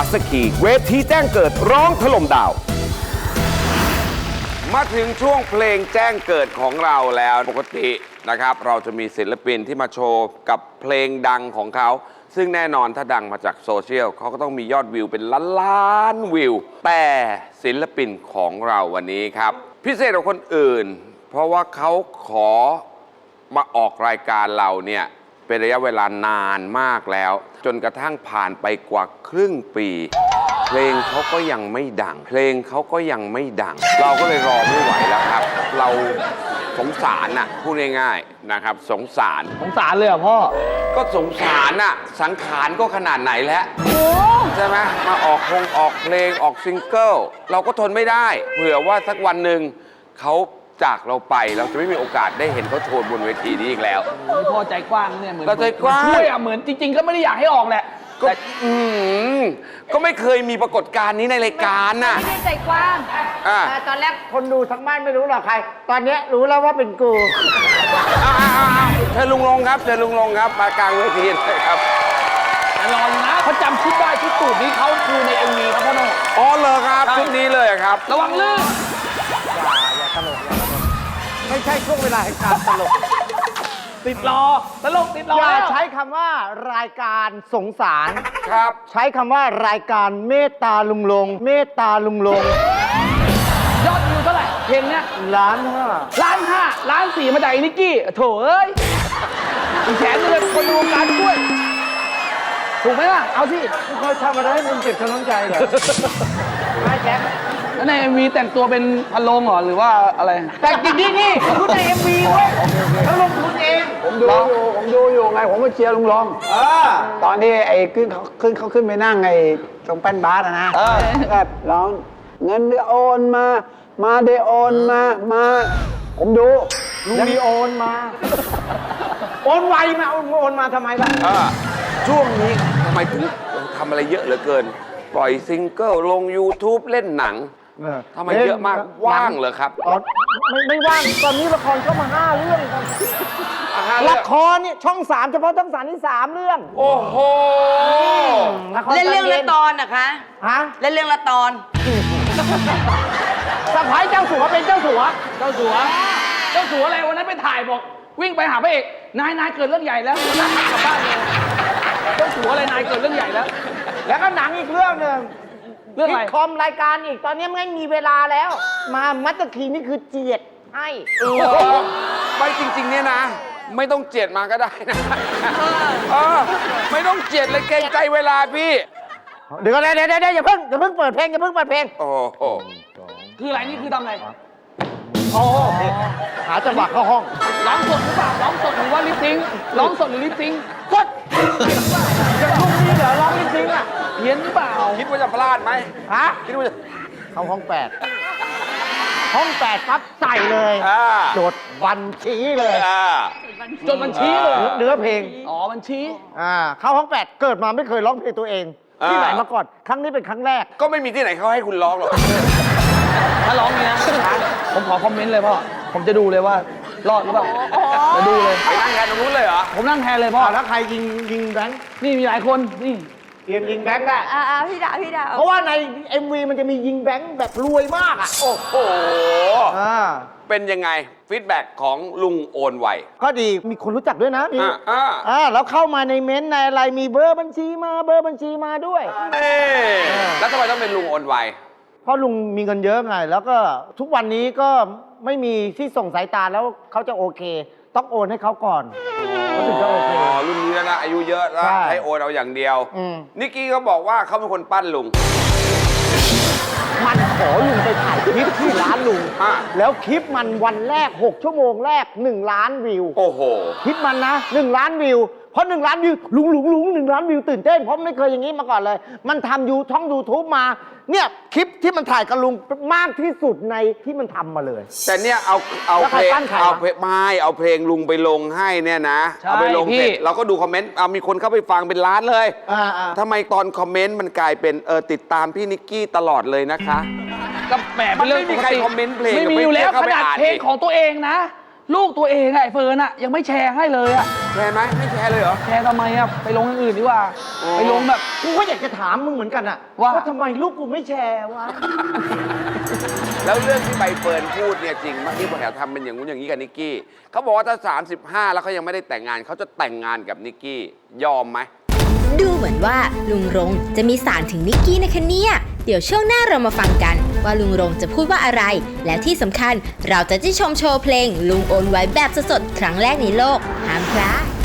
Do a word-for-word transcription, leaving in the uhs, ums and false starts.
สคีเวทีแจ้งเกิดร้องถล่มดาวมาถึงช่วงเพลงแจ้งเกิดของเราแล้วปกตินะครับเราจะมีศิลปินที่มาโชว์กับเพลงดังของเขาซึ่งแน่นอนถ้าดังมาจากโซเชียลเขาก็ต้องมียอดวิวเป็นล้านล้านวิวแต่ศิลปินของเราวันนี้ครับพิเศษกว่าคนอื่นเพราะว่าเขาขอมาออกรายการเราเนี่ยเป็นระยะเวลานานมากแล้วจนกระทั่งผ่านไปกว่าครึ่งปีเพลงเขาก็ยังไม่ดังเพลงเขาก็ยังไม่ดังเราก็เลยรอไม่ไหวแล้วครับเราสงสารน่ะพูดง่ายๆนะครับสงสารสงสารเลยเหรอพ่อก็สงสารน่ะสังขารก็ขนาดไหนแล้วใช่ไหมมาออกเพลงออกเพลงออกซิงเกิลเราก็ทนไม่ได้เผื่อว่าสักวันหนึ่งเขาจากเราไปเราจะไม่มีโอกาสได้เห็นเขาโชว์บนเวทีนี้อีกแล้วพ่อใจกว้างเนี่ยเหมือนเราใจกว้างช่วยอ่ะเหมือนจริงๆก็ไม่ได้อยากให้ออกแหละก็อืมก็ไม่เคยมีปรากฏการณ์นี้ในรายการน่ะไม่ได้ใจกว้างตอนแรกคนดูทั้งบ้านไม่รู้หรอกใครตอนนี้รู้แล้วว่าเป็นกูเชิญลุงลงครับเชิญลุงลงครับมากลางเวทีเลยครับรอนะเขาจำชุดได้ชุดตูดนี้เขาคือในเอ็มวีครับพ่อโน่อ๋อเหรอครับชุดนี้เลยครับระวังลื่นอย่าอย่าตลกอย่าตลกไม่ใช่ช่วงเวลาแห่งการตลกติดรอตลกติดรออย่าใช้คำว่ารายการสงสารครับใช้คำว่ารายการเมตตาลุงลงเมตตาลุงลงยอดวิวเท่าไหร่เพลงเนี้ยล้านห้าล้านห้าล้านสี่มาจากไอ้นิกกี้โถเอ้ยอีแขนเลยคนในวงการด้วยถูกไหมล่ะเอาสิเขาทำอะไรให้มึงเจ็บช้ำน้ำใจเหรอไม่แจ๊คแล้วในเอ็มวีแต่งตัวเป็นพันโลงเหรอหรือว่าอะไรแต่จริงๆนี่พูดในเอ็มวีเว้ยเขาลงทุนเองผมดูอยู่ผมดูอยู่ไงผมมาเชียร์ลุงรองตอนที่ไอ้ขึ้นเขาขึ้นเขาขึ้นไปนั่งไอ้ตรงแป้นบาสนะแบบร้องเงินโอนมามาเดโอนมามาผมดูลุงมีโอนมาโอนไวมาโอนมาทำไมล่ะช่วงนี้ทำไมถึงทำอะไรเยอะเหลือเกินปล่อยซิงเกิลลง YouTube เล่นหนังทำไมเยอะมากว่างเหรอครับไม่ไม่ว่างตอนนี้ละครเข้ามาห้าเรื่องละครเนี่ยช่องสามเฉพาะช่องสามนี่สามเรื่องโอ้โหเล่นเรื่องละตอนนะคะฮะเล่นเรื่องละตอนสะพ้ายเจ้าสัวเป็นเจ้าสัวเจ้าสัวเจ้าสัวอะไรวันนั้นไปถ่ายบอกวิ่งไปหาพระเอกนายนายเกิดเรื่องใหญ่แล้วกลับบ้านเลยเจ้าสัวอะไรนายเกิดเรื่องใหญ่แล้วแล้วก็หนังอีกเรื่องหนึ่งเรื่องอะไรคอมรายการอีกตอนนี้ไม่มีเวลาแล้วมามัตตคีนี่คือเจียดให้ไม่จริงๆเนี่ยนะไม่ต้องเจียดมาก็ได้นะเออไม่ต้องเจียดเลยเกรงใจเวลาพี่เดี๋ยวเดี๋ยวเดี๋ยวอย่าเพิ่งอย่าเพิ่งเปิดเพลงอย่าเพิ่งเปิดเพลงโอ้โหคืออะไรนี่คือทำอะไรโอ้หาจังหวะเข้าห้องร้องสดหรือเปล่าร้องสดหรือว่าลิปซิงร้องสดหรือลิปซิงสดจะพรุ่งนี้เดี๋ยวร้องลิปซิงอ่ะเพี้ยนหรือเปล่าคิดว่าจะพลาดไหมฮะคิดว่าจะเข้าห้องแปดห้องแปดปั๊บใส่เลยจดบัญชีเลยจดบัญชีเลยเนื้อเพลงอ๋อบัญชีอ่าเข้าห้องแปดเกิดมาไม่เคยร้องเพลงตัวเองที่ไหนมาก่อนครั้งนี้เป็นครั้งแรกก็ไม่มีที่ไหนเขาให้คุณร้องหรอกถ้าร้องนี้นะผมขอคอมเมนต์เลยพ่อผมจะดูเลยว่ารอดหรือเปล่าจะดูเลยไปนั่งแทนตรงนู้นเลยเหรอผมนั่งแทนเลยพ่อถ้าใครยิงยิงแบงค์นี่มีหลายคนนี่เตรียมยิงแบงค์ได้อ่าพี่ดาพี่ดาเพราะว่าใน เอ็ม วี มันจะมียิงแบงค์แบบรวยมากอ่ะโอ้โหเป็นยังไงฟีดแบ็กของลุงโอนไวก็ดีมีคนรู้จักด้วยนะอ่าอ่าอ่าแล้วเข้ามาในเม้นต์ในอะไรมีเบอร์บัญชีมาเบอร์บัญชีมาด้วยนี่แล้วทำไมต้องเป็นลุงโอนไวเพราะลุงมีเงินเยอะไงแล้วก็ทุกวันนี้ก็ไม่มีที่ส่งสายตาแล้วเขาจะโอเคต้องโอนให้เขาก่อนเขาถึงจะโอเคอ๋อรุ่นนี้แล้วนะอายุเยอะแล้วให้โอนเอาอย่างเดียวนิกกี้เขาบอกว่าเขาเป็นคนปั้นลุงมันขอลุงไปถ่ายคลิปที่ร้านลุงแล้วคลิปมันวันแรกหกชั่วโมงแรกหนึ่งล้านวิวโอ้โหคลิปมันนะหนึ่งล้านวิวเพราะหนึ่งล้านวิวลุงลุงลุงหนึ่งล้านวิวตื่นเต้นเพราะไม่เคยอย่างนี้มาก่อนเลยมันทำยูช่องยูทูบมาเนี่ยคลิปที่มันถ่ายกับลุงมากที่สุดในที่มันทำมาเลยแต่เนี่ยเอาเอาเพลงเอาเพลงไม่เอาเพลงลุงไปลงให้เนี่ยนะเอาไปลงเสร็จเราก็ดูคอมเมนต์เอามีคนเข้าไปฟังเป็นล้านเลยทำไมตอนคอมเมนต์มันกลายเป็นเออติดตามพี่นิกกี้ตลอดเลยนะคะก็แหมมันไม่มีใครคอมเมนต์เพลงไม่มีอยู่แล้วขนาดเพลงของตัวเองนะลูกตัวเองไอ้เฟิร์นอะยังไม่แชร์ให้เลยอะแชร์ไหมไม่แชร์เลยเหรอแชร์ทำไมอะไปลงอย่างอื่นดีกว่า ไปลงแบบกูก็อยากจะถามมึงเหมือนกันอะว่าทำไมลูกกูไม่แชร์วะแล้วเรื่องที่ใบเฟิร์นพูดเนี่ยจริงมากที่บอกอยากทำเป็นอย่างงู้นอย่างนี้กับนิกกี้เขาบอกว่าถ้าสามสิบห้าแล้วเขายังไม่ได้แต่งงานเขาจะแต่งงานกับนิกกี้ยอมไหมดูเหมือนว่าลุงรงจะมีสารถึงนิกกี้นะคะเนี่ย เดี๋ยวช่วงหน้าเรามาฟังกันว่าลุงรงจะพูดว่าอะไร และที่สำคัญเราจะได้ชมโชว์เพลงลุงโอนไว้แบบสดๆครั้งแรกในโลกห้ามพลาด